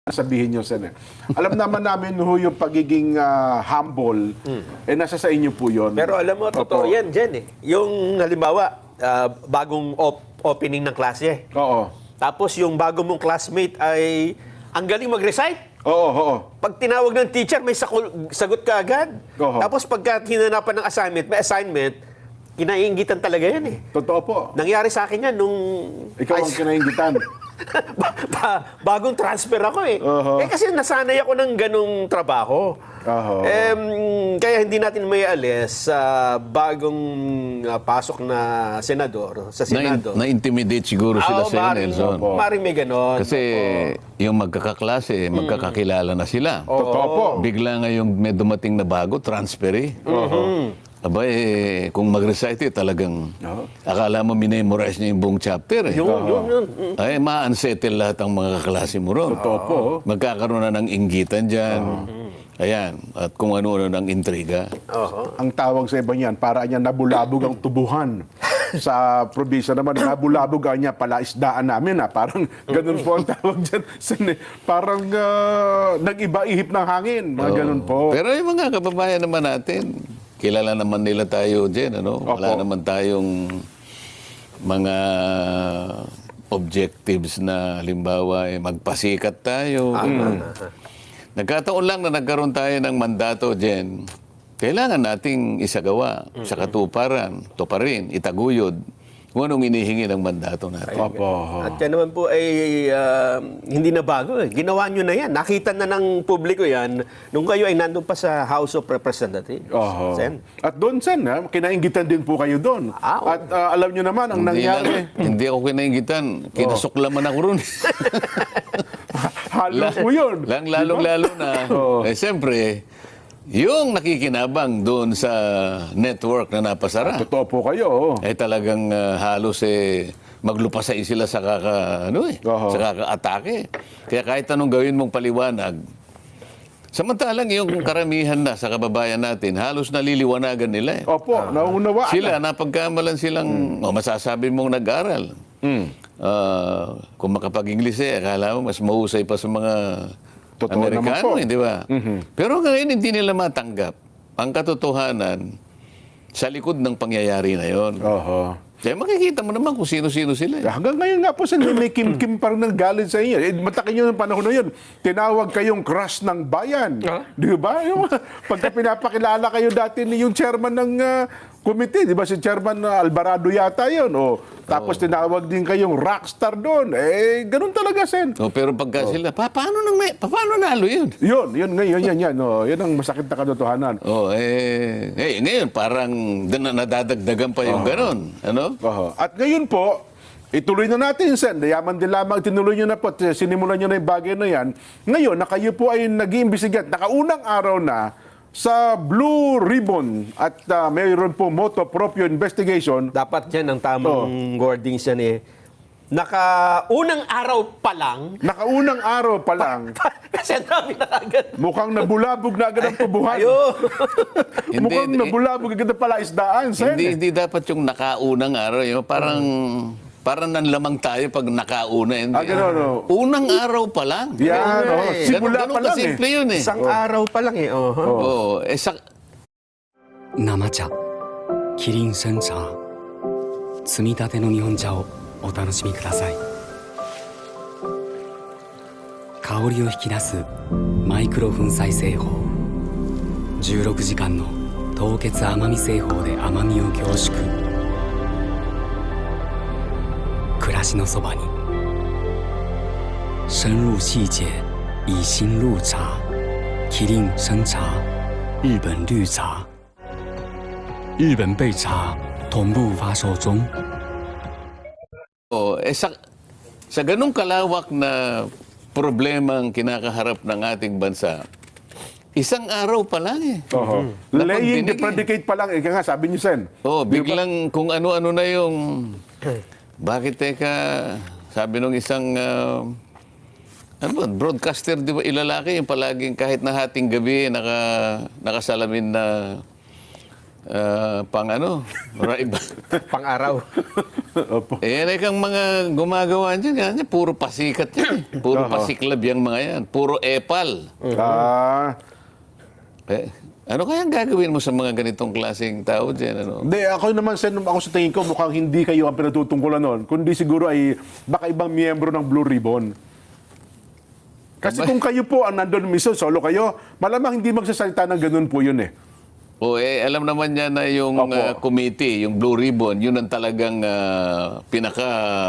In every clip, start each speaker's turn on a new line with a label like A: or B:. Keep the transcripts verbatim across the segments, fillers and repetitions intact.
A: sabihin nyo, Sen. Eh. Alam naman namin ho yung pagiging ah, humble, eh nasa sa inyo po yun.
B: Pero alam mo, totoo
A: Opo.
B: yan, Jen. Eh. Yung halimbawa, ah, bagong op- opening ng klase.
A: Oo.
B: Tapos yung bago mong classmate ay ang galing mag-recite.
A: Oo, oo.
B: Pag tinawag ng teacher, may sakul- sagot ka agad.
A: Oo.
B: Tapos pagka hinanapan ng assignment, may assignment, kinaiingitan talaga yan eh.
A: Totoo po.
B: Nangyari sa akin yan nung...
A: Ikaw ang
B: Ay,
A: kinaingitan.
B: ba- ba- bagong transfer ako eh.
A: Oo.
B: Eh kasi nasanay ako ng ganong trabaho.
A: Oo.
B: Em, kaya hindi natin may alis sa bagong ah, pasok na senador, sa
C: Na,
B: Senado.
C: na-intimidate siguro sila
B: Ah,
C: sa iyo,
B: maaaring-
C: Nelson.
A: Opo.
B: maaaring may ganon.
C: Kasi yung magkakaklase, magkakakilala na sila.
A: Totoo po.
C: Bigla ngayong may dumating na bago, transfer eh. Aba eh, kung mag-recite eh, talagang
A: Oo.
C: akala mo minemorize niya yung buong chapter eh.
B: Yun, yun, yun. Mm.
C: Ay, ma-unsettle lahat ang mga kaklase mo ron.
A: Totoo po.
C: Magkakaroon na ng inggitan dyan. Ayan. At kung ano-ano ng intriga.
B: Oo.
A: Ang tawag sa iba niyan, para niya nabulabog ang tubuhan. Sa probinsya naman, nabulabog ang niya palaisdaan namin. Ha? Parang ganun po ang tawag dyan. Sen, eh. Parang ah, nag-iba-ihip ng hangin. Mga ganun po.
C: Pero yung mga kababayan naman natin, kilala naman nila tayo dyan, ano? Wala
A: Opo.
C: naman tayong mga objectives na halimbawa eh, magpasikat tayo. Nagkataon lang na nagkaroon tayo ng mandato dyan. Kailangan nating isagawa sa katuparan, tuparin, itaguyod kung anong inihingi ng mandato natin.
A: Opo.
B: At yan naman po ay ah, hindi na bago eh. Ginawa nyo na yan. Nakita na ng publiko yan nung kayo ay nandun pa sa House of Representatives.
A: Oho.
B: Sen.
A: At doon, Sen, ha, kinaingitan din po kayo doon.
B: Ah, oo.
A: At ah, alam nyo naman, ang
C: Hindi,
A: nangyari,
C: lang- hindi ako kinaingitan. Kinasuklaman ako ron.
A: halos po yun.
C: Lang lalong-lalo na.
A: Oo.
C: Eh, siyempre, yung nakikinabang doon sa network na napasara,
A: Totoo po kayo. oh.
C: eh talagang ah, halos eh, maglupasay sila sa kaka, ano eh,
A: Oo.
C: sa kaka-atake. Kaya kahit anong gawin mong paliwanag, samantalang yung karamihan na sa kababayan natin, halos naliliwanagan nila eh.
A: Opo, nauunawaan.
C: Sila, napagkamalan silang, o masasabi mong nag-aral. Ah, kung makapag-Ingles eh, akala mo mas mahusay pa sa mga
A: Totoo naman po.
C: Amerikano, eh, di ba? Pero ngayon hindi nila matanggap ang katotohanan sa likod ng pangyayari na yon.
A: Oho.
C: Kaya makikita mo naman kung sino-sino sila. Eh.
A: Hanggang ngayon nga po, Sen, may may kim-kim pa rin ng galit sa inyo. Eh, matakin nyo ng panahon na yun. Tinawag kayong crush ng bayan. Di ba? Yung, pagka pinapakilala kayo dati ni yung chairman ng ah, committee, di ba? Si Chairman ah, Alvarado yata yun. O, tapos tinawag din kayong rockstar doon. Eh, ganun talaga, Sen.
C: O, pero pagka sila, pa, paano, nang may, pa, paano nalo yun?
A: Yun, yun, ngayon, yan, yan. Oh, yan ang masakit na katotohanan.
C: O, eh, eh, ngayon parang na- nadadagdagan pa yung ganon. Ano?
A: Oho. At ngayon po, ituloy na natin, Sen. Yaman din lamang, tinuloy nyo na po, at sinimulan nyo na yung bagay na yan. Ngayon, na kayo po ay nag-iimbestigat, nakaunang araw na sa Blue Ribbon at uh, mayroon po moto proprio investigation.
B: Dapat yan ang tamang wordings yan eh. Nakaunang araw pa lang,
A: Nakaunang araw pa lang,
B: kasi ang dami na agad.
A: mukhang nabulabog na agad ang tubuhan.
B: Ayo.
A: Mukhang
C: Hindi,
A: nabulabog agad ang palaisdaan, Sen.
C: Hindi, hindi dapat yung nakaunang araw. Yung parang, parang nanlamang tayo pag nakauna. Hindi.
A: Ah, ganun, no?
C: Unang araw pa lang.
A: Yan,
B: Ganun
A: oh.
B: eh.
A: Simula
C: Ganun
A: pa lang eh.
C: kasimple yun eh.
B: Isang araw pa lang eh. Oh.
C: Oo. Eh, sa,
D: 生茶キリン煎茶摘みたての日本茶をお楽しみください香りを引き出すマイクロ粉砕製法じゅうろくじかんの凍結甘み製法で甘みを凝縮暮らしのそばに深入细节以心入茶キリン生茶日本绿茶日本焙茶同步发售中。
C: oh, eh, sa, sa ganung kalawak na problema ang kinakaharap ng ating bansa, isang araw pa lang eh.
A: Oho.
C: Dapat
A: Laying the
C: binigay.
A: predicate pa lang, ika nga, sabi niyo, Sen.
C: Oh, biglang kung ano-ano na yung... Bakit teka, sabi nung isang... ah, ano ba, broadcaster, di ba, ilalaki yung palaging kahit na hating gabi, naka, nakasalamin na ah, pang ano, right?
B: Pang-araw.
A: Opo.
C: Eh, yan ay kang mga gumagawa dyan, yan, puro pasikat yan. Puro
A: Oo.
C: pasiklab yung mga yan. Puro epal.
A: Ah,
C: Eh, ano kaya ang gagawin mo sa mga ganitong klaseng tao dyan? Ano?
A: Hindi, ako naman, Sen, ako sa tingin ko, mukhang hindi kayo ang pinatutungkulan nun. Kundi siguro ay baka ibang miyembro ng Blue Ribbon. Kasi kung kayo po ang nandun mismo, solo kayo, malamang hindi magsasalita ng ganun po yun eh.
C: O eh, alam naman niya na yung
A: Opo.
C: ah, committee, yung Blue Ribbon, yun ang talagang ah, pinaka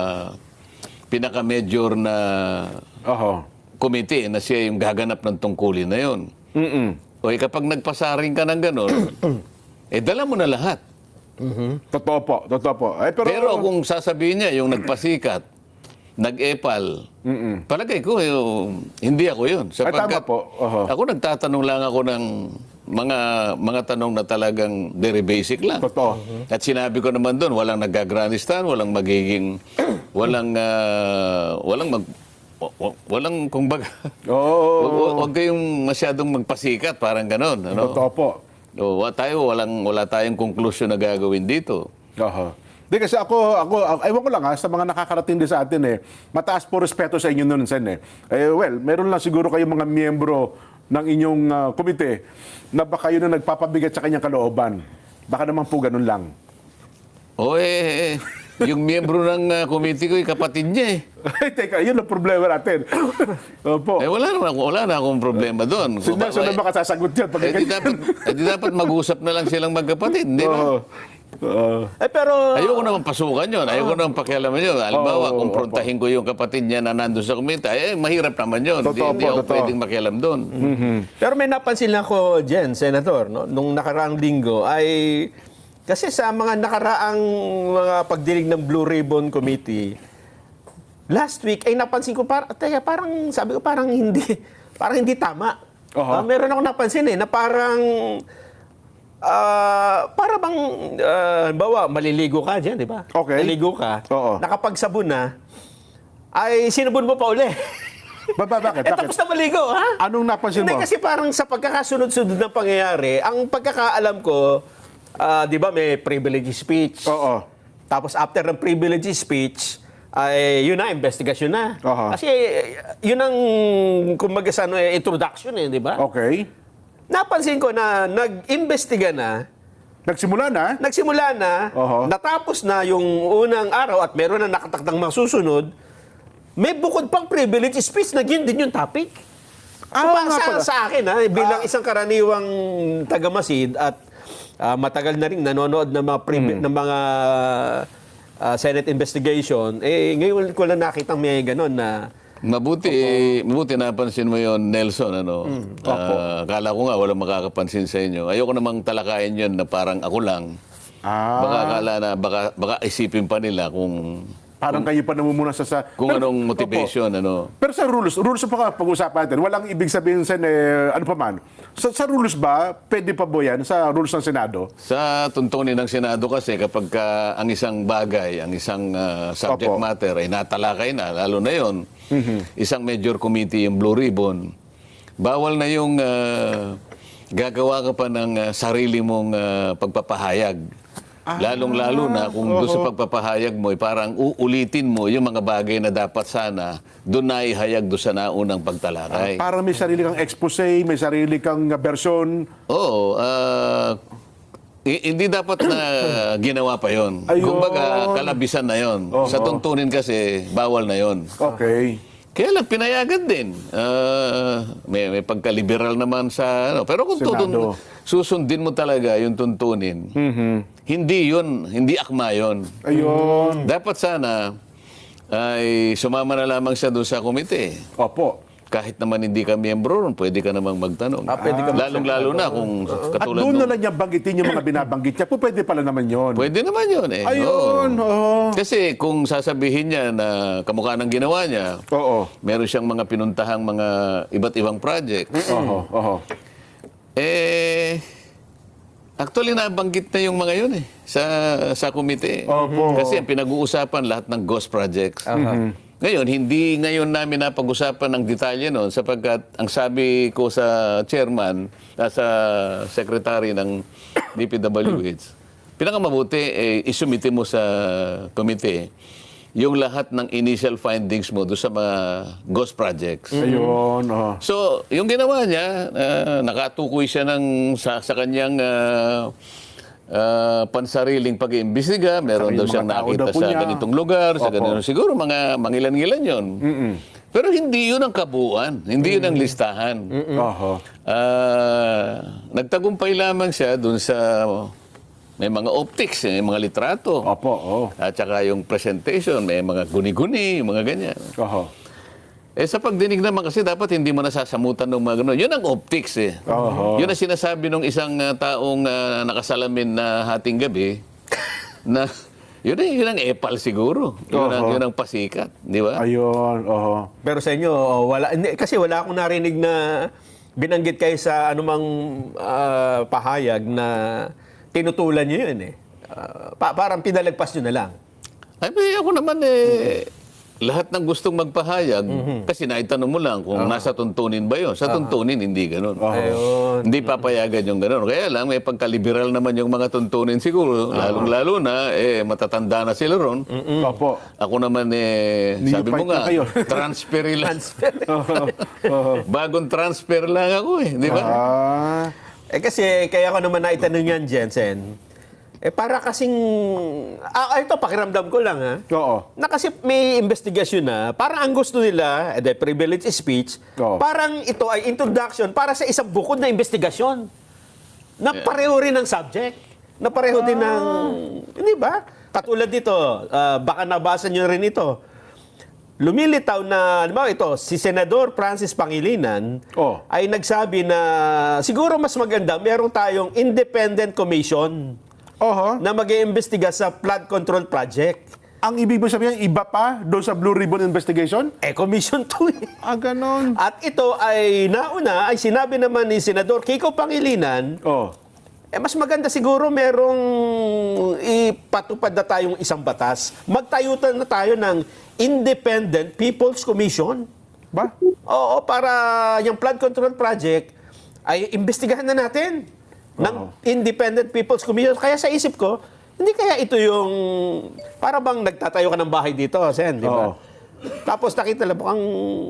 C: pinaka-major na
A: Oho.
C: committee na siya yung gaganap ng tungkulin na yun.
A: Mm-mm.
C: O eh, kapag nagpasaring ka ng gano'n, eh dala mo na lahat.
A: Totoo po, totoo po. Ay, pero,
C: Pero kung sasabihin niya, yung nagpasikat, nag-epal, palagay ko, yung, hindi ako yun.
A: Ay, tama po. Oho.
C: Ako nagtatanong lang ako ng mga mga tanong na talagang very basic lang.
A: Totoo.
C: At sinabi ko naman doon, walang nagagranistan, walang magiging, walang, ah, walang mag, wa- wa- walang, kumbaga,
A: Oo.
C: wag, wag- wag kayong masyadong magpasikat, parang ganon. Ano?
A: Totoo po.
C: O, wa- tayo, walang, wala tayong conclusion na gagawin dito.
A: Oho. Di kasi ako, ako, ewan ko lang ha, sa mga nakakarating din sa atin eh, mataas po respeto sa inyo nun, Sen eh. Eh, well, meron lang siguro kayong mga miyembro ng inyong ah, komite na baka yun na nagpapabigat sa kanyang kalooban. Baka naman po ganun lang.
C: O eh, yung miyembro ng uh, committee ko, yung kapatid niya eh.
A: Ay, teka, yun ang problema natin. Opo.
C: Eh wala naman, wala na akong problema doon.
A: Sino na sino makasasagot yan? Pag
C: Eh di dapat, eh, di dapat mag-usap na lang silang magkapatid, di ba?
A: Oo. Oo.
B: Eh, pero...
C: Ayoko naman pasukan yun. Ayoko naman pakialaman yun. Halimbawa,
A: Oo,
C: kung prontahin ko yung kapatid niya na nandun sa komite, eh, mahirap naman yun. Hindi,
A: Totoo
C: hindi
A: po,
C: ako
A: totoo.
C: pwedeng makialam doon.
B: Pero may napansin ako dyan, Senator, no? Nung nakaraang linggo ay... Kasi sa mga nakaraang mga pagdinig ng Blue Ribbon Committee, last week ay napansin ko, par teka, parang, sabi ko parang hindi, parang hindi tama.
A: Oho.
B: Ah, meron ako napansin eh, na parang, ah, para bang, ah, bawa, maliligo ka dyan, di ba?
A: Okay.
B: Maliligo ka,
A: Oo.
B: nakapagsabon na, ay sinubon mo pa uli.
A: Ba, ba, bakit?
B: Eh,
A: Bakit?
B: tapos na maligo, ha?
A: Anong napansin
B: Hindi,
A: mo?
B: kasi parang sa pagkakasunod-sunod ng pangyayari, ang pagkakaalam ko, ah, di ba may privilege speech.
A: Oo.
B: Tapos after ng privilege speech, ay yun na, investigasyon na.
A: Aha.
B: Kasi eh, yun ang, kumbaga sa ano, eh, introduction eh, di ba?
A: Okay.
B: Napansin ko na nag-imbestiga na,
A: Nagsimula na?
B: nagsimula na,
A: Aha.
B: natapos na yung unang araw at meron na nakatakdang masusunod, may bukod pang privilege speech na yun din yung topic.
A: Ah,
B: So,
A: nga
B: sa,
A: pala.
B: sa akin, ha, bilang isang karaniwang taga-Masid at ah, matagal na rin nanonood ng mga, privi- ng mga ah, Senate investigation, eh, ngayon ko lang nakitang may gano'n na
C: Mabuti, mabuti napansin mo yon Nelson. Ano? Ah, akala ko nga walang makakapansin sa inyo. Ayoko namang talakayin yun na parang ako lang.
A: Ah.
C: Baka akala na, baka, baka isipin pa nila kung
A: Parang kayo pa namumuna sa... sa
C: kung
A: Pero-
C: anong motivation. Ano.
A: Pero sa rules, rules pa nga pag-usapan natin, walang ibig sabihin sa eh, ano pa man. Sa, sa rules ba, pwede pa ba yan sa rules ng Senado?
C: Sa tuntunin ng Senado kasi kapag ka ang isang bagay, ang isang ah, subject
A: Opo.
C: matter ay natalakay na, lalo na yon, isang major committee, yung Blue Ribbon, bawal na yung ah, gagawa ka pa ng ah, sarili mong ah, pagpapahayag. Lalong-lalo na kung doon sa pagpapahayag mo, eh, parang uulitin mo yung mga bagay na dapat sana doon na ihayag doon sa naunang pagtalakay.
A: Parang may sarili kang expose, may sarili kang uh, version.
C: Oo, ah, i- hindi dapat na ginawa pa yon.
A: Ayun.
C: Kumbaga, kalabisan na yon. Sa tuntunin kasi, bawal na yon.
A: Okay.
C: Kaya lang, pinayagan din. Ah, may, may pagka-liberal naman sa... Ano. Pero kung
A: Senado.
C: tutun, susundin mo talaga yung tuntunin, hindi yun, hindi akma yun.
A: Ayun.
C: Dapat sana ay sumama na lamang siya doon sa komite.
A: Opo.
C: Kahit naman hindi ka miyembro ron, pwede ka namang magtanong.
B: Ah, pwede ka
C: Lalong-lalo na kung
A: At
C: katulad
A: doon na
C: nung-
A: lang niya banggitin yung mga binabanggit niya. Po, pwede pala naman yun.
C: Pwede naman yun eh.
A: Ayun.
C: Oo.
A: Oo.
C: Kasi kung sasabihin niya na kamukha ng ginawa niya,
A: Oo.
C: meron siyang mga pinuntahang mga iba't ibang project.
A: Oo. Oo.
C: Eh, actually nabanggit na yung mga yun eh, sa, sa komite.
A: Opo.
C: Kasi ang pinag-uusapan lahat ng ghost projects. Ngayon, hindi ngayon namin napag-usapan ng detalye noon sapagkat ang sabi ko sa chairman, ah, sa secretary ng D P W H, pinakamabuti eh, isumite mo sa komite yung lahat ng initial findings mo doon sa mga ghost projects.
A: Ayun, oh.
C: So, yung ginawa niya, ah, nakatukoy siya ng, sa, sa kanyang ah, ah, pansariling pag-iimbestiga. Meron
A: Saka
C: daw
A: yung
C: siyang
A: mga tao
C: nakita
A: daw po
C: sa
A: niya.
C: ganitong lugar, sa
A: Opo.
C: ganitong siguro, mga mangilan-ngilan yun. Pero hindi yun ang kabuuan, hindi yun ang listahan.
A: Oho.
C: Ah, nagtagumpay lamang siya dun sa may mga optics, may mga litrato.
A: Opo, oh.
C: At saka yung presentation, may mga guni-guni, mga ganyan.
A: Oho.
C: Eh sa pagdinig naman kasi dapat hindi mo nasasamutan ng mga ganun. Yun ang optics eh.
A: Oho.
C: Yun ang sinasabi ng isang ah, taong ah, nakasalamin na hating gabi na yun, ang- yun ang epal siguro. Yun ang,
A: Oho.
C: yun ang pasikat. Di ba?
A: Ayun, oho.
B: Pero sa inyo, oh, wala, hindi, kasi wala akong narinig na binanggit kayo sa anumang ah, pahayag na tinutulan nyo yun eh. Ah, pa- parang pinalagpas nyo na lang.
C: Ay, may ako naman eh, lahat ng gustong magpahayag, kasi naitanong mo lang kung nasa tuntunin ba yun. Sa tuntunin, hindi ganun.
B: Ayun.
C: Hindi papayagan yung ganun. Kaya lang, may pagkaliberal naman yung mga tuntunin siguro. Lalong-lalo na, eh, matatanda na sila ron.
A: Opo.
C: Ako naman, eh,
A: New
C: sabi mo
A: fight na
C: nga,
A: kayo.
C: transfer lang.
A: Oho. Oho.
C: Bagong transfer lang ako eh. Di ba?
A: Ah.
B: Eh kasi, kaya ko naman naitanong yan, Jensen. Eh para kasing, ah, ito pakiramdam ko lang ha.
A: Oo.
B: Na kasi may investigasyon na, parang ang gusto nila, eh, the privilege speech,
A: Oo.
B: parang ito ay introduction para sa isang bukod na investigasyon. Na pareho rin ng subject. Na pareho din ng, hindi ba? Katulad dito, ah, baka nabasa nyo rin ito. Lumilitaw na, ano ba ito, si Senador Francis Pangilinan
A: Oh.
B: ay nagsabi na siguro mas maganda meron tayong independent commission
A: Oho.
B: na mag-iimbestiga sa flood control project.
A: Ang ibig mo sabihin, iba pa doon sa Blue Ribbon Investigation?
B: Eh, commission to eh.
A: Ah, ganon.
B: At ito ay nauna, ay sinabi naman ni Senador Kiko Pangilinan,
A: Oh.
B: eh mas maganda siguro merong ipatupad na tayong isang batas. Magtayo na tayo ng Independent People's Commission.
A: Ba?
B: Oo, para yung flood control project ay imbestigahan na natin ng Independent People's Commission. Kaya sa isip ko, hindi kaya ito yung para bang nagtatayo ka ng bahay dito, Sen, di ba?
A: Oo.
B: Tapos nakita lang mukhang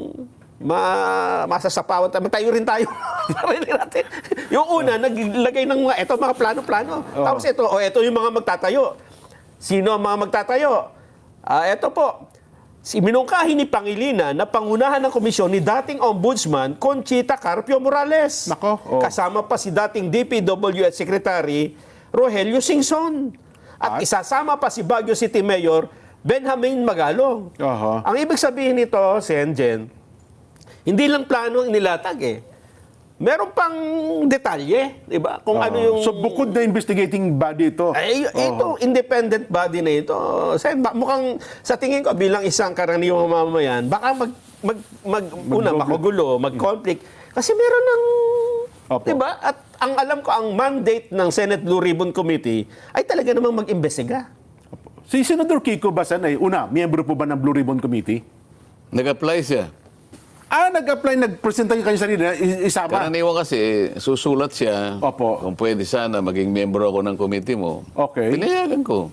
B: ma masasapawan tayo. Tayo rin tayo. Sarili natin. Yung una, naglagay ng mga, eto mga plano-plano. Tapos ito, o eto yung mga magtatayo. Sino ang mga magtatayo? Ah, eto po. Si minungkahi ni Pangilinan na pangunahan ng komisyon ni dating Ombudsman Conchita Carpio Morales.
A: Nako, oh.
B: Kasama pa si dating D P W H Secretary Rogelio Singson. At
A: At?
B: isasama pa si Baguio City Mayor Benjamin Magalong.
A: Aha.
B: Ang ibig sabihin nito, Sen Jen, hindi lang plano ang nilatag eh. Meron pang detalye, di ba? Kung ano yung...
A: So, bukod na investigating body ito.
B: Ay, ito, independent body na ito. Sen, ba- mukhang sa tingin ko bilang isang karaniwang mamamayan, baka mag, mag, mag, una, makugulo, mag-conflict. Kasi meron ng...
A: Opo.
B: Di ba? At ang alam ko, ang mandate ng Senate Blue Ribbon Committee ay talaga namang mag-imbestiga.
A: Si Senador Kiko Basan ay, una, miyembro po ba ng Blue Ribbon Committee?
C: Nag-apply siya.
A: Ah, nag-apply, nag-presenta yung kanyang sarili na i- isama.
C: Karaniwan kasi, susulat siya.
A: Opo.
C: Kung pwede sana, maging miyembro ako ng committee mo.
A: Okay.
C: Pinayagan ko.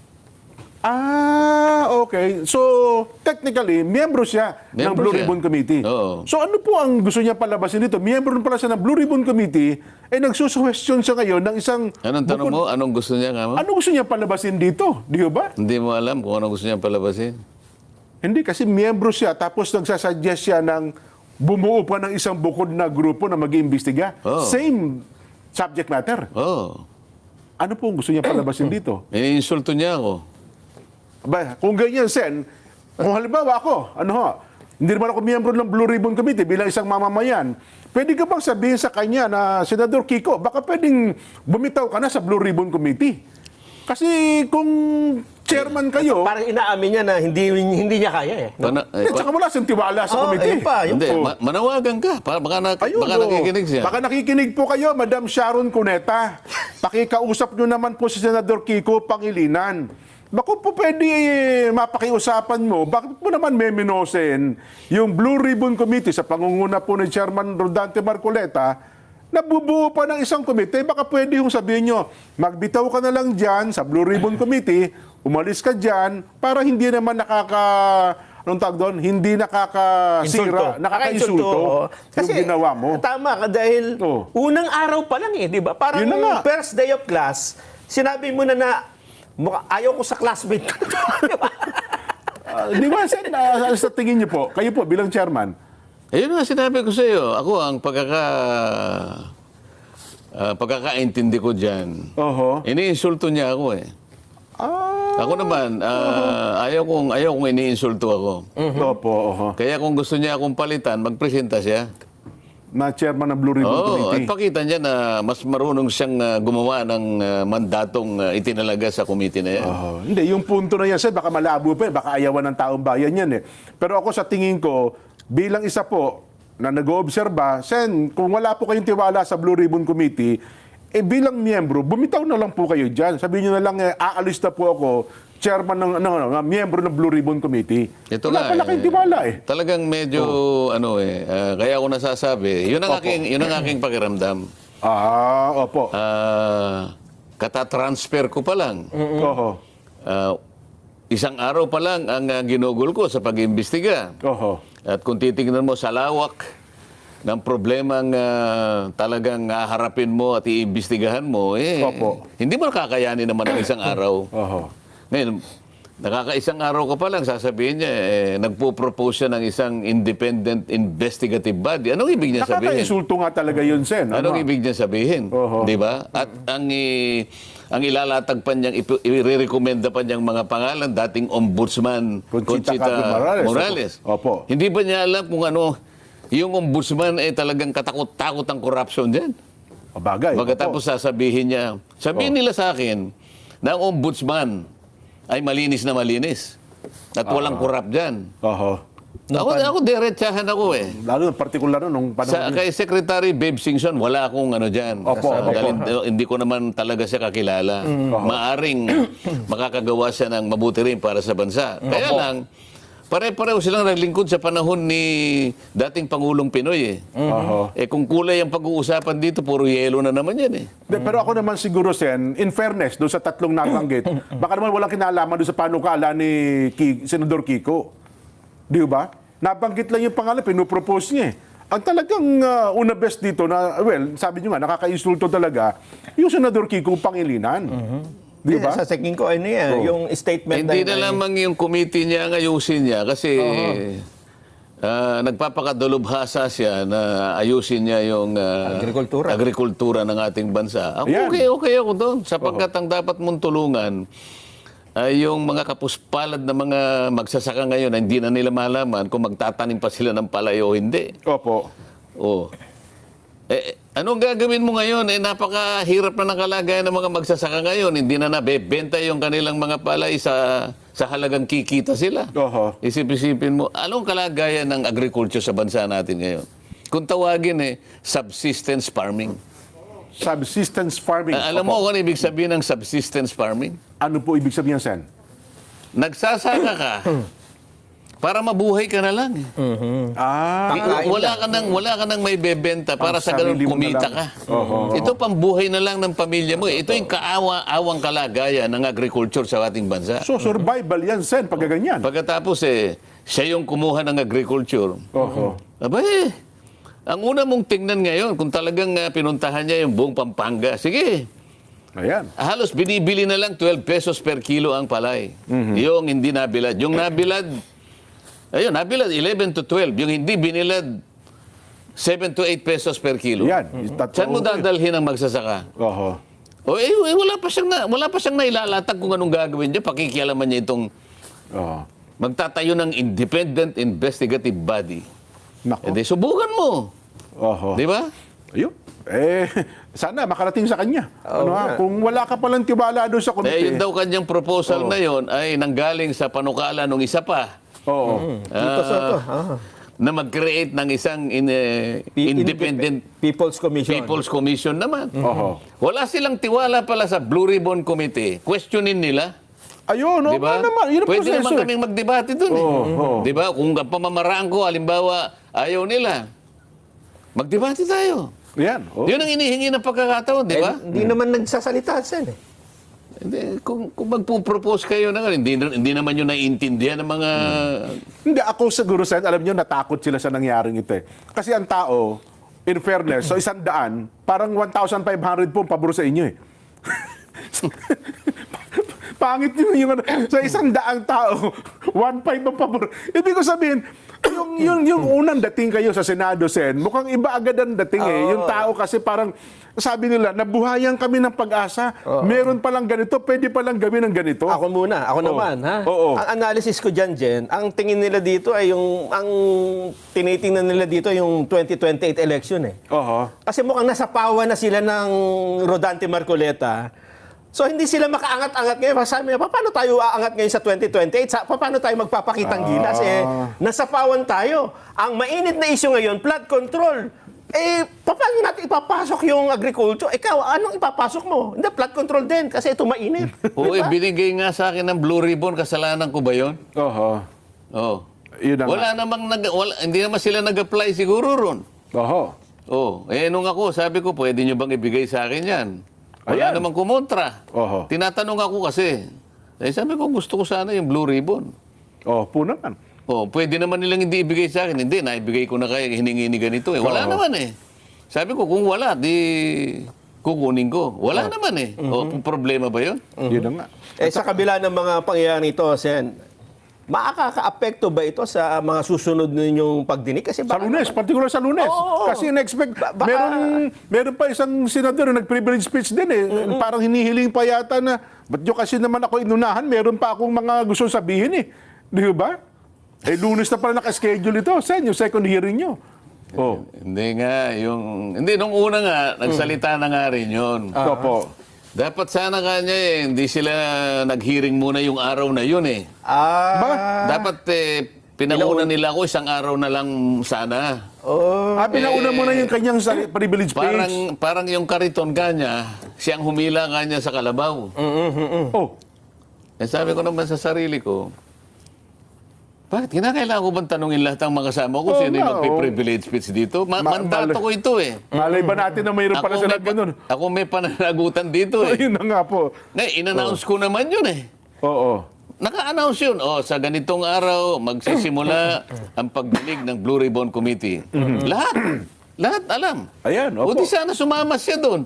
A: Ah, okay. So, technically, miyembro siya ng
C: Miyembro
A: Blue
C: siya.
A: Ribbon Committee.
C: Oo.
A: So, ano po ang gusto niya palabasin dito? Miyembro pala siya ng Blue Ribbon Committee, eh nagsusuwestiyon siya ngayon ng isang...
C: Anong tanong mo? Anong gusto niya nga mo?
A: Ano gusto niya palabasin dito? Di ba?
C: Hindi mo alam kung anong gusto niya palabasin.
A: Hindi, kasi miyembro siya, tapos nagsasuggest siya ng bumuo pa ng isang bukod na grupo na mag-iimbestiga.
C: Oo.
A: Same subject matter.
C: Oo.
A: Ano po ang gusto niya palabasin dito?
C: Iniinsulto niya ako.
A: Ba, kung ganyan, Sen, kung halimbawa ako, ano ho, hindi naman ako miyembro ng Blue Ribbon Committee bilang isang mamamayan, pwede ka bang sabihin sa kanya na, Senador Kiko, baka pwedeng bumitaw ka na sa Blue Ribbon Committee? Kasi kung chairman kayo,
B: Parang inaamin niya na hindi hindi niya kaya eh.
C: Pana, eh,
A: eh, tsaka wala siyang tiwala sa
B: Oh,
A: committee.
B: ayun pa, yun
C: hindi,
A: Oh.
C: ma- manawagan ka. Pa- Baka, na,
A: Ayun,
C: baka
A: oh.
C: nakikinig siya.
A: Baka nakikinig po kayo, Madam Sharon Cuneta. Pakikausap nyo naman po si Senador Kiko Pangilinan. Bako po pwede eh, mapakiusapan mo, bakit mo naman meminosen yung Blue Ribbon Committee sa pangunguna po ni Chairman Rodante Marcoleta, nabubuo pa ng isang komite, baka pwede yung sabihin nyo, magbitaw ka na lang dyan sa Blue Ribbon Committee, umalis ka dyan, para hindi naman nakaka... Anong tawag doon? Hindi nakakasira, nakakainsulto yung ginawa mo.
B: Tama ka dahil
A: Oo.
B: unang araw pa lang eh, di ba? Parang
A: Yun na nga.
B: first day of class, sinabi mo na na mukha, ayaw ko sa classmate ko. Di ba?
A: Ah, di ba, Sen, ah, sa tingin niyo po, kayo po bilang chairman,
C: Ayun nga, sinabi ko sa iyo. Ako, ang pagkaka... ah, pagkakaintindi ko dyan,
A: oho,
C: iniinsulto niya ako eh.
A: ah,
C: Ako naman, ah, ayaw kong ayaw kong iniinsulto ako.
A: opo, oho,
C: Kaya kung gusto niya akong palitan, magpresenta siya.
A: na chairman ng Blue Ribbon
C: Oo, at
A: Committee.
C: pakita niya na mas marunong siyang ah, gumawa ng ah, mandatong ah, itinalaga sa committee na yan.
A: Oho. Hindi, yung punto na yan, Sen, baka malabo pa, eh, baka ayawan ng taong bayan yan eh. Pero ako sa tingin ko, bilang isa po na nag-oobserba, Sen, kung wala po kayong tiwala sa Blue Ribbon Committee, eh bilang miyembro, bumitaw na lang po kayo dyan. Sabihin nyo na lang, eh, aalis na po ako, chairman ng, ano, ano, miyembro ng Blue Ribbon Committee.
C: Ito
A: wala
C: nga,
A: pala kayong tiwala eh.
C: Talagang medyo, ano eh, ah, kaya ako nasasabi, yun ang
A: Opo.
C: aking, yun ang aking pakiramdam.
A: Ah, opo.
C: Ah, katatransfer ko pa lang.
A: Oho.
C: Ah, isang araw pa lang ang ah, ginugol ko sa pag-imbestiga.
A: Oho.
C: At kung titingnan mo sa lawak ng problemang ah, talagang haharapin mo at iimbestigahan mo, eh,
A: Opo.
C: hindi mo nakakayanin naman ng isang araw.
A: Oho.
C: Ngayon, nakakaisang araw ka pa lang, sasabihin niya, eh, nagpo-propose siya ng isang independent investigative body. Anong ibig niya sabihin?
A: Nakaka-insulto nga talaga yun, Sen.
C: Anong
A: Ano?
C: ibig niya sabihin?
A: Oho.
C: Di ba? At ang i- ang ilalatag pa niyang, ipo- irerekomenda pa niyang mga pangalan, dating ombudsman
A: Conchita Carmen Morales.
C: Morales.
A: Opo.
C: Hindi ba niya alam kung ano, yung ombudsman ay talagang katakot-takot ang corruption dyan?
A: Bagay.
C: Pagkatapos sasabihin niya, sabihin
A: Oh.
C: nila sa akin na ang ombudsman ay malinis na malinis. At walang corrupt dyan.
A: Oho.
C: Ako, ako diretsahan ako eh.
A: Lalo na partikular no, nung panahon.
C: Sa, kay Secretary Babe Singson, wala akong ano dyan.
A: Opo,
C: Sa-
A: opo.
C: dahil hindi ko naman talaga siya kakilala. Maaring makakagawa siya ng mabuti rin para sa bansa. Kaya lang, pare-pareho silang naglingkod sa panahon ni dating Pangulong Pinoy eh.
A: Oho.
C: Eh kung kulay ang pag-uusapan dito, puro yelo na naman yan eh.
A: De, pero ako naman siguro, Sen, in fairness, doon sa tatlong nabanggit, baka naman walang kinalaman doon sa panukala ni Ki, Senador Kiko. Di ba? Nabanggit lang yung pangalan, pinupropose niya eh. Ang talagang uh, una best dito na, well, sabi niyo nga, nakaka-insulto talaga, yung Senador Kiko Pangilinan. Di ba?
B: Sa tingin ko, ano yan,
A: Oo.
B: yung statement
C: Hindi
B: na
C: na lamang yung committee niya ang ayusin niya kasi ah, nagpapakadulubhasa siya na ayusin niya yung ah,
B: Agrikultura.
C: agrikultura ng ating bansa. Ako,
A: Ayan.
C: okay, okay ako doon. Sapagkat ang dapat mong tulungan ay yung mga kapuspalad na mga magsasaka ngayon na hindi na nila malaman kung magtatanim pa sila ng palay o hindi.
A: Opo.
C: Oh. Eh, anong gagawin mo ngayon? Eh, napakahirap na ng kalagayan ng mga magsasaka ngayon. Hindi na nabebenta yung kanilang mga palay sa, sa halagang kikita sila.
A: Oho.
C: Isip-isipin mo, anong kalagayan ng agriculture sa bansa natin ngayon? Kung tawagin eh, subsistence farming.
A: Subsistence farming.
C: Ah, alam
A: Opo.
C: mo kung ano ibig sabihin ng subsistence farming?
A: Ano po ibig sabihin, Sen?
C: Nagsasaka ka para mabuhay ka na lang.
A: Ah,
B: Kakain
C: Wala ka nang wala ka nang may bebenta para
A: Ang
C: sa ganun
A: sarili mo na
C: kumita
A: lang.
C: ka.
A: Oho.
C: Ito pambuhay na lang ng pamilya mo. eh. Ito yung kaawa-awang kalagayan ng agriculture sa ating bansa.
A: so survival yan, Sen, pag ganyan.
C: Pagkatapos eh, siya yung kumuha ng agriculture.
A: Oho.
C: Aba eh, ang una mong tingnan ngayon, kung talagang ah, pinuntahan niya yung buong Pampanga, sige,
A: Ayan.
C: halos binibili na lang twelve pesos per kilo ang palay. Yung hindi nabilad. Yung nabilad, ayun, nabilad eleven to twelve. Yung hindi binilad, seven to eight pesos per kilo.
A: Yan. Tatlo-
C: Saan mo dadalhin ang magsasaka?
A: Oho.
C: O eh, eh, wala pa siyang na, wala pa siyang nailalatag kung anong gagawin niya. Pakikialaman niya itong
A: Oho.
C: magtatayo ng independent investigative body.
A: Nako.
C: E di, subukan mo.
A: Oho.
C: Di ba?
A: Ayun. Eh, sana makarating sa kanya. ano ha?
B: nga.
A: Kung wala ka palang tiwala doon sa
C: Eh,
A: komite.
C: yun daw kanyang proposal
A: Oo.
C: na yun ay nanggaling sa panukala ng isa pa.
A: Oo.
B: Dito sa to. Ah.
C: Na mag-create ng isang in, eh,
B: P-
C: independent
B: People's Commission.
C: People's Commission naman.
A: Oho.
C: Wala silang tiwala pala sa Blue Ribbon Committee. Questionin nila.
A: Ayun, no,
C: Di ba?
A: naman, yun ang
C: Pwede
A: proseso.
C: naman
A: eh.
C: kaming magdebate dun eh.
A: Oo, oo.
C: Di ba? Kung ang pamamaraan ko, halimbawa, ayaw nila, magdebate tayo.
A: Yan. Oh.
C: Yun ang inihingi ng pagkakataon, di ba?
B: Eh, hindi naman nagsasalita sen eh.
C: Hindi, kung, kung magpo-propose kayo na nga, hindi, hindi naman yun naiintindihan ng mga...
A: Hindi, ako siguro, Sen, alam nyo, natakot sila sa nangyaring ito eh. Kasi ang tao, in fairness, so isang daan, parang one thousand five hundred po ang pabor sa inyo eh. Pangit yun yung ano, sa isang daang tao, one five ang pabor. Ibig ko sabihin, yung, yung, yung unang dating kayo sa Senado, Sen, mukhang iba agad ang dating eh. Yung tao kasi parang, sabi nila, nabuhayan kami ng pag-asa. Meron palang ganito, pwede palang gawin ng ganito.
B: Ako muna, ako
A: Oo.
B: naman, ha?
A: Oo.
B: Ang analysis ko dyan, Jen, ang tingin nila dito ay yung, ang tinitingnan nila dito yung twenty twenty-eight election eh.
A: Oho.
B: Kasi mukhang nasa pawa na sila ng Rodante Marcoleta. So hindi sila makaangat-angat ngayon. Sabi niya, paano tayo aangat ngayon sa twenty twenty-eight? Sa, paano tayo magpapakitang gilas? Eh, nasa pawan tayo. Ang mainit na issue ngayon, flood control. Eh, paano natin ipapasok yung agriculture? Ikaw, anong ipapasok mo? Hindi, flood control din kasi ito mainit.
C: Oo, eh,
B: Diba?
C: binigay nga sa akin ng Blue Ribbon, kasalanan ko ba yun?
A: Oho.
C: Oo.
A: Yun na nga.
C: Wala namang, nag, wala, hindi naman sila nag-apply siguro ron.
A: Oho.
C: Oh, eh nung ako, sabi ko, pwede nyo bang ibigay sa akin yan? Wala
A: Ayan.
C: namang kumontra.
A: Oho.
C: Tinatanong ako kasi. Eh, sabi ko, gusto ko sana yung Blue Ribbon.
A: Oh, po naman.
C: Oh, pwede naman nilang hindi ibigay sa akin. Hindi, naibigay ko na kaya hiningi ni ganito eh. Wala
A: Oo.
C: naman eh. Sabi ko, kung wala, di kukunin ko. Wala naman eh. Oh, problema ba yun?
A: Yun na nga.
B: Eh, sa kabila ng mga pangyayari ito, Sen, makaka-apekto ba ito sa mga susunod ninyong pagdinig? Kasi
A: Sa
B: baka
A: Lunes, particular sa Lunes.
B: Oo.
A: Kasi in-expect,
B: Ba- baka-
A: meron, meron pa isang senador na nag-privilege speech din eh. Parang hinihiling pa yata na, ba't nyo kasi naman ako inunahan, meron pa akong mga gusto sabihin eh. Di ba? Eh, Lunes na pala naka-schedule ito. Sen, yung second hearing nyo. Oh.
C: Hindi nga, yung... Hindi, nung una nga, nagsalita na nga rin yun.
A: Ito po.
C: Dapat sana kanya eh, hindi sila nag-hearing muna yung araw na yun eh.
B: Ah,
A: Ba?
C: Dapat eh, pinauna nila ako isang araw na lang sana.
B: oh.
A: Ah, pinauna mo na yung kanyang sa- privilege speech.
C: Parang, parang yung kariton kanya, siyang humila kanya sa kalabaw.
A: Oh.
C: Eh, sabi ko naman sa sarili ko, bakit kinakailangan ko bang tanungin lahat ng mga kasama ko
A: Oo
C: sino yung
A: nga,
C: magpiprivilege speech dito? Ma-
A: Ma-
C: mandato
A: mal-
C: ko ito eh.
A: Malay ba natin na mayroon pala sila
C: may, pa-
A: ganun?
C: ako may pananagutan dito eh.
A: Ayun na nga po.
C: Ngayon, in-announce ko naman yun eh.
A: Oo.
C: Naka-announce yun. Oh, sa ganitong araw, magsisimula ang pagdinig ng Blue Ribbon Committee. Lahat. Lahat alam.
A: Ayan,
C: O
A: opo.
C: di sana sumama siya doon.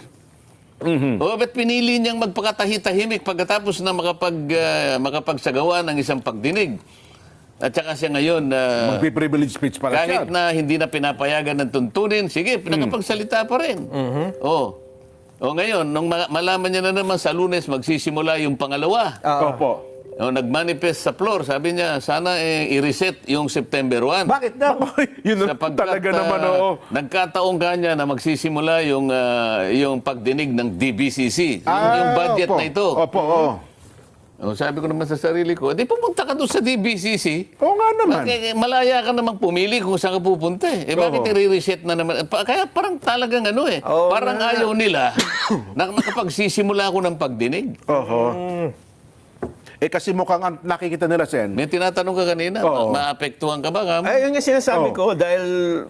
C: O ba't pinili niyang magpakatahi-tahimik pagkatapos na makapag, ah, makapagsagawa ng isang pagdinig? At saka siya ngayon, ah,
A: Magpi-privilege speech pala siya.
C: kahit na hindi na pinapayagan ng tuntunin, sige, nakapagsalita pa rin. Oh. O ngayon, nung ma- malaman niya na naman sa Lunes, magsisimula yung pangalawa.
A: Opo.
C: O, nag-manifest sa floor, sabi niya, sana eh, i-reset yung September first.
B: Bakit daw?
A: Yun na
C: Sapagkat,
A: talaga
C: ah,
A: naman, oo.
C: nagkataong kanya na magsisimula yung, ah, yung pagdinig ng D B C C. Yung,
A: Ah,
C: yung budget
A: opo.
C: na ito.
A: Opo, oo.
C: O, sabi ko naman sa sarili ko, di pumunta ka doon sa D B C C.
A: Oo nga naman.
C: Eh, malaya ka namang pumili kung saan ka pupunta eh. Eh, bakit
A: Oo.
C: i-reset na naman? Pa- Kaya parang talagang ano eh.
B: Oo
C: parang
B: nga.
C: ayaw nila na nakapagsisimula ako ng pagdinig.
A: Oho. Eh kasi mukhang ang nakikita nila, Sen.
C: May tinatanong ka kanina,
A: Oo.
C: ma- maapektuhan ka ba? Kam?
B: Ay, yun yung sinasabi
A: Oh.
B: ko dahil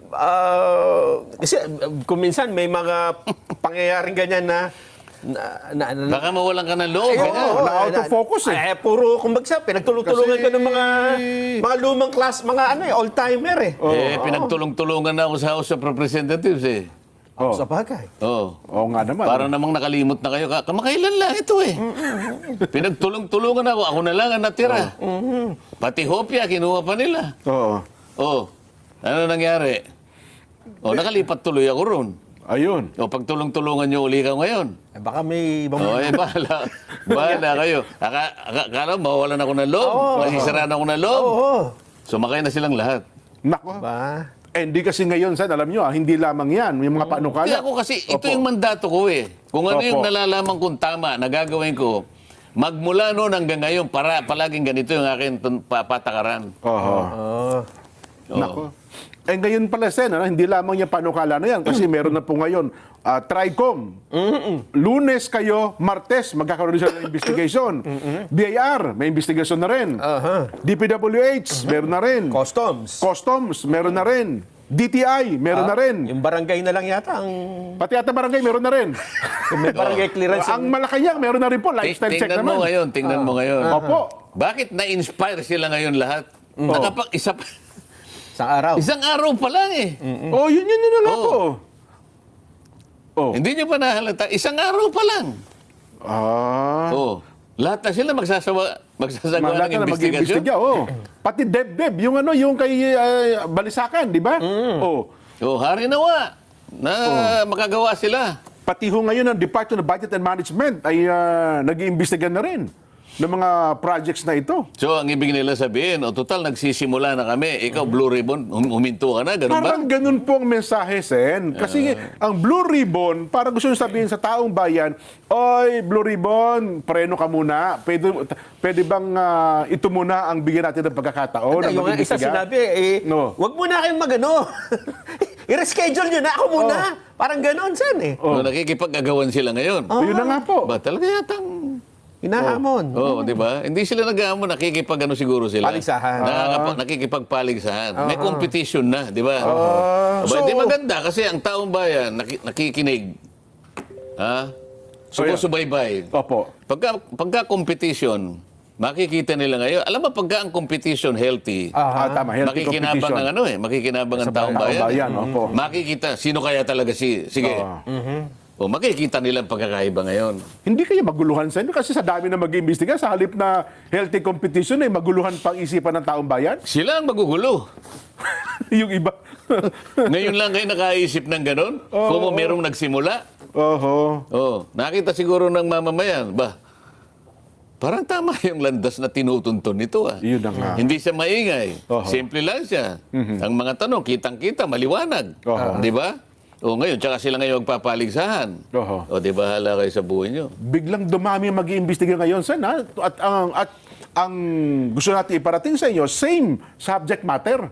B: ah, kasi uh, kung minsan may mga pangyayaring ganyan na na, na, na
C: Baka mawalan ka ng loob.
B: Ay,
C: eh.
B: oo,
A: na out of focus eh.
B: Ay, puro, kumbaga, pinagtulong-tulungan
A: Kasi-
B: ka ng mga mga lumang class, mga ano eh, old-timer eh.
C: Eh, pinagtulong-tulungan na ako sa House of Representatives eh.
A: Oh.
B: Sa bagay.
C: Oo.
A: Oo nga naman.
C: Para namang nakalimot na kayo. Ka- Kamakailan lang ito eh. Pinagtulong-tulungan ako. Ako na lang ang natira. Pati hopya, kinuha pa nila.
A: Oo.
C: Oh, ano nangyari? Oh, nakalipat tuloy ako ron.
A: Ayun.
C: O, pagtulong-tulungan nyo uli ka ngayon.
B: Eh, baka may ibang...
C: O, eh, bahala. Bahala kayo. Aka, aka, akala, mawawalan ako ng loob.
B: Oo.
C: Masisiraan ako ng loob.
B: Oo.
C: Sumakay na silang lahat.
A: Nako.
B: Ba?
A: Eh, hindi kasi ngayon, Sen, alam nyo, ah, hindi lamang yan. Yung mga panukala.
C: Kaya ako kasi, ito
A: Opo.
C: yung mandato ko eh. Kung ano
A: Opo.
C: yung nalalaman kong tama na gagawin ko, magmula noon hanggang ngayon, para, palaging ganito yung aking tun- pa- patakaran.
A: Oho.
B: Oh.
C: Oo.
A: Nako. Eh ngayon pala, Sen, ano, hindi lamang yung panukala na yan kasi meron na po ngayon ah, TRICOM. Lunes kayo, Martes, magkakaroon sila ng investigation. B I R, may investigation na rin.
B: Aha.
A: D P W H, meron na rin.
B: Customs.
A: Customs, meron na rin. D T I, meron na rin.
B: Yung barangay na lang yata ang
A: Pati ata barangay, meron na rin.
B: may barangay clearance.
A: Ang Malacanang, meron na rin po. Lifestyle check
C: Tingnan mo
A: naman.
C: ngayon, tingnan mo ngayon.
A: Opo.
C: Bakit na-inspire sila ngayon lahat? Nakapag isa pa-
B: Sa araw.
C: isang araw pa lang eh.
A: Oh, yun yun yun na nga
C: Oo.
A: po. Oh.
C: Hindi nyo pa nahalata. Isang araw pa lang.
A: Ah.
C: Oh. Lahat na sila magsasawa, magsasagawa
A: Malata
C: ng
A: na
C: investigasyon.
A: mag-iimbestiga, oh. Pati Deb-Deb, yung ano, yung kay ah, Balisakan, di ba? Oh.
C: Oh, hari nawa na makagawa sila.
A: Pati ho ngayon ang Department of Budget and Management ay ah, nag-iimbestiga na rin ng mga projects na ito.
C: So, ang ibig nila sabihin, o total, nagsisimula na kami. Ikaw, Blue Ribbon, hum- huminto ka na, ganun ba?
A: Parang ganun po ang mensahe, Sen. Kasi ang Blue Ribbon, parang gusto nyo sabihin sa taong bayan, oy, Blue Ribbon, preno ka muna. Pwede, pwede bang ah, ito muna ang bigyan natin ng pagkakataon? na
B: yung nga isa
A: mag-imbestiga?
B: sinabi, eh,
A: No.
B: wag muna kayong magano. I-reschedule nyo na, ako muna. Parang ganon, Sen eh.
C: Oh. nakikipag-agawan sila ngayon.
A: Yun na nga po.
C: Ba, talaga yatang...
B: Hinahamon.
C: Oo, di ba? Hindi sila nag-aamon, nakikipag-ano siguro sila.
B: Paligsahan.
C: Nakakapa- nakikipagpaligsahan. May competition na, di ba? Aba,
A: So-
C: di maganda kasi ang taong bayan naki- nakikinig. Ha? Sumusubaybay.
A: Opo.
C: Pagka, pagka competition, makikita nila ngayon. Alam mo, pagka ang competition healthy,
A: Ah, tama. Healthy
C: makikinabang
A: competition.
C: ang ano eh, makikinabang ang taong
A: taong
C: bayan.
A: bayan,
C: eh.
A: opo.
C: Makikita, sino kaya talaga si, sige.
A: Oo.
C: O, makikita nila ang pagkakaiba ngayon.
A: Hindi kaya maguluhan sa inyo kasi sa dami na mag-iimbestiga, sa halip na healthy competition ay maguluhan pang isipan ng taong bayan.
C: Sila ang magugulo.
A: Yung iba.
C: Ngayon lang kayo nakaisip ng ganon? Kung merong nagsimula?
A: Oho.
C: Oh, nakita siguro ng mamamayan, ba, parang tama yung landas na tinutuntun nito ah.
A: Yun na nga.
C: Hindi siya maingay.
A: Oho.
C: Simple lang siya. Ang mga tanong, kitang-kita, maliwanag.
A: Oho.
C: Di ba? O ngayon, tsaka sila ngayon magpapaligsahan.
A: Oho.
C: O di ba, hala kayo sa buhay nyo.
A: Biglang dumami ang mag-iimbestiga ngayon, Sen, ha? At ang, at ang gusto natin iparating sa inyo, same subject matter.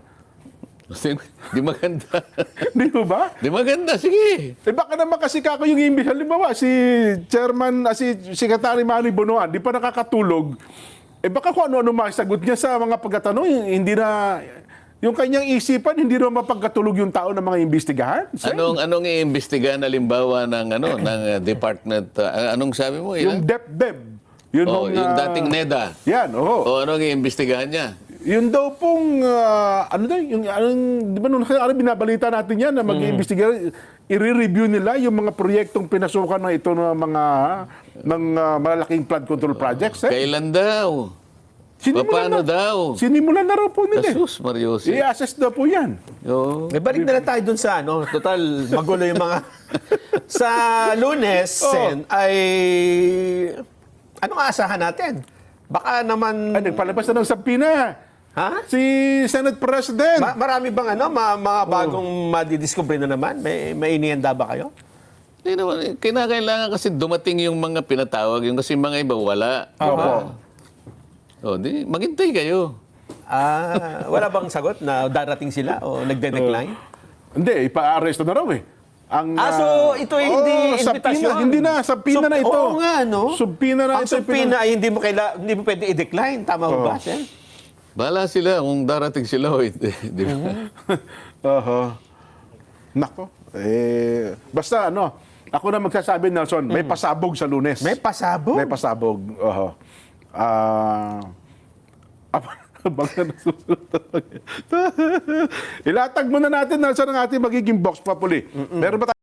C: Di maganda.
A: Di ba ba?
C: Di maganda, sige.
A: Eh baka naman kasi kako yung imbis. Halimbawa, si Chairman, ah, si Secretary Manny Bonoan, di pa nakakatulog. Eh baka kung ano-ano masagot niya sa mga pagkatanong, hindi na, yung kanyang isipan, hindi na mapagkatulog yung tao ng mga imbestigahan. Sen.
C: Anong anong iimbestigahan halimbawa ng ano ng uh, department uh, anong sabi mo?
A: Yung
C: Ilan?
A: Dep-Dep. Yun
C: Oh,
A: hong,
C: yung
A: ah,
C: dating NEDA.
A: Yan, oo.
C: O anong iimbestigahan niya?
A: Yun daw pong, ah, ano daw, yung, anong, di ba nung ano, binabalita natin yan na mag-iimbestiga, i-review nila yung mga proyektong pinasukan na ito ng mga ng ah, malalaking flood control projects. Eh.
C: Kailan daw?
A: Sinimulan
C: Paano
A: na,
C: daw?
A: Sinimulan na raw po nila. eh.
C: Jesus Mariosi.
A: I-assess daw po yan.
C: Oo.
B: Eh, balik na lang tayo dun sa ano, total magulo yung mga... sa Lunes,
A: Oh.
B: Sen, ay... Anong aasahan natin? Baka naman...
A: Ay, nagpalabas na ng sabina.
B: Ha?
A: Si Senate President.
B: Ma- marami bang ano, ma- mga bagong madidiscover na naman? May, may inihanda ba kayo?
C: Hindi naman, eh, kinakailangan kasi dumating yung mga pinatawag, yung kasi mga iba wala.
A: Opo.
C: O, di, maghintay kayo.
B: Ah, wala bang sagot na darating sila o nagde-decline?
A: Hindi, ipa-arresto na raw eh. Ang,
B: Ah, so
A: ah,
B: ito ay hindi
A: oh,
B: invitasyon?
A: subpoena. Hindi na, subpoena
B: Sub-
A: na ito.
B: Oo nga, no?
A: Subpoena na
B: Ang
A: ito.
B: subpoena ay hindi mo, kaila, hindi mo pwede i-decline. Tama
A: Oo.
B: ba, Sen?
C: Bahala sila kung darating sila o hindi. Di ba?
A: Oho. Nako. Eh, basta ano, ako na magsasabi, Nelson, may pasabog sa Lunes.
B: May pasabog?
A: May pasabog. Oho. Ah... Abangan na susunod. Ilatag muna natin, Nelson, ang ating magiging box papuli. Meron ba tayo?